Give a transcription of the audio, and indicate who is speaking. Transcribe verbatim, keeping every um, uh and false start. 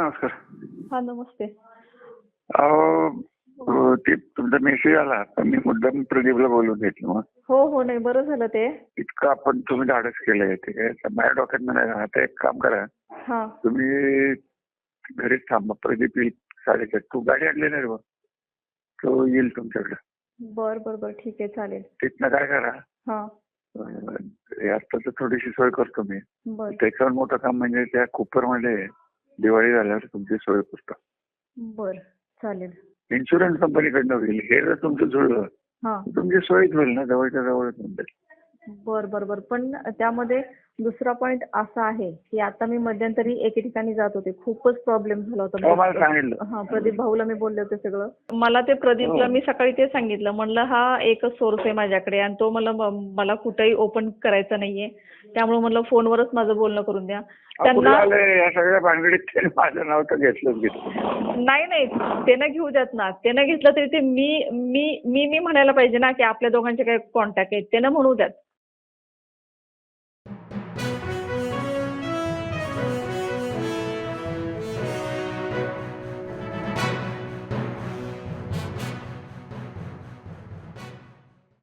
Speaker 1: नमस्कार.
Speaker 2: हा नमस्ते.
Speaker 1: अहो अ, ते तुमचा मेसेज आला पण मी मुद्दाम प्रदीपला बोलून घेतलं. मग
Speaker 2: हो हो नाही बरं झालं ते.
Speaker 1: इतकं आपण तुम्ही धाडस केलंय ते काय तर माझ्या डोक्यात नाही. आता एक काम करा,
Speaker 2: हा
Speaker 1: तुम्ही घरीच थांबा. प्रदीप येईल साडेचार. तू गाडी आणली नाही रे बा, तो येईल तुमच्याकडे.
Speaker 2: बर बर बर ठीक आहे चालेल.
Speaker 1: तिथनं काय करा,
Speaker 2: हा
Speaker 1: आत्ताच थोडीशी सोय करतो मी.
Speaker 2: बर
Speaker 1: त्याच्यावर मोठं काम म्हणजे त्या कुपरमध्ये दिवाळी झाल्यावर तुमची सोय करतो.
Speaker 2: बर चालेल.
Speaker 1: इन्शुरन्स कंपनीकडनं होईल. हे जर तुमचं जुळलं
Speaker 2: हा
Speaker 1: तुमची सोयच होईल ना, जवळच्या जवळच म्हणतात.
Speaker 2: बर बर बर पण त्यामध्ये दुसरा पॉइंट असा आहे की आता मी मध्यंतरी एके ठिकाणी जात होते, खूपच प्रॉब्लेम झाला
Speaker 1: हो, मला
Speaker 2: होता.
Speaker 1: सांगितलं.
Speaker 2: हा प्रदीप भाऊला मी बोलले होते सगळं. मला ते प्रदीपला मी सकाळी ते सांगितलं, म्हणलं हा एकच सोर्स आहे माझ्याकडे आणि तो मला मला कुठेही ओपन करायचा नाहीये, त्यामुळे म्हणलं फोनवरच माझं बोलणं करून द्या.
Speaker 1: त्यांना या सगळ्या भानगडीत त्याने माझं नाव तर घेतलंच घेतलं.
Speaker 2: नाही नाही ते न घेऊ द्यात ना. ते न घेतलं तरी ते मी मी मी मी म्हणायला पाहिजे ना की आपल्या दोघांचे काही कॉन्टॅक्ट आहेत, ते न म्हणू द्यात.